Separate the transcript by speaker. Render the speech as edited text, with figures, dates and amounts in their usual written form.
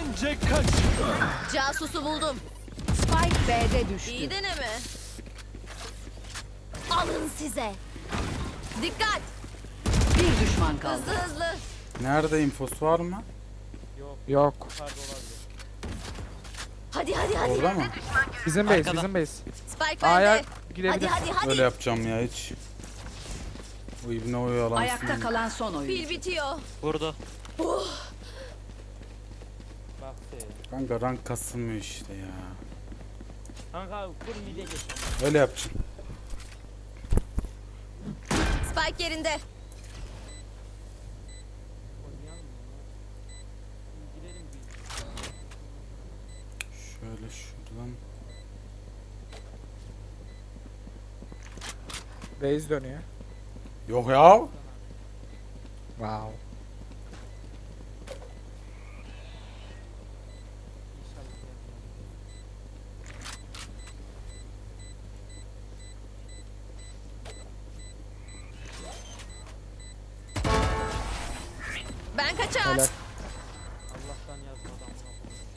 Speaker 1: Bence kaç.
Speaker 2: Casusu buldum.
Speaker 3: Spike B'de düştü.
Speaker 2: İyi deneme. Alın size. Dikkat.
Speaker 3: Bir düşman kaldı.
Speaker 2: Hızlı hızlı.
Speaker 4: Nerede infosu var mı?
Speaker 5: Yok.
Speaker 2: Hadi hadi hadi.
Speaker 4: Orada mı?
Speaker 5: Bizim base,
Speaker 6: Arkada.
Speaker 5: bizim base.
Speaker 2: Spike
Speaker 5: A'ya
Speaker 2: bende.
Speaker 5: girebilir.
Speaker 2: Hadi hadi hadi.
Speaker 4: Öyle yapacağım ya hiç. O ibne oyalansın.
Speaker 3: Ayakta kalan son oyuncu.
Speaker 2: Pil bitiyor.
Speaker 6: Vurdu.
Speaker 4: Kanka rank kasılmıyor işte ya.
Speaker 7: Kanka kur mide geç.
Speaker 4: Öyle yapacağım.
Speaker 2: Spike yerinde.
Speaker 4: Şöyle şuradan.
Speaker 5: Base dönüyor.
Speaker 4: Yok ya.
Speaker 5: Wow.
Speaker 2: Ben kaçar.
Speaker 5: Helal.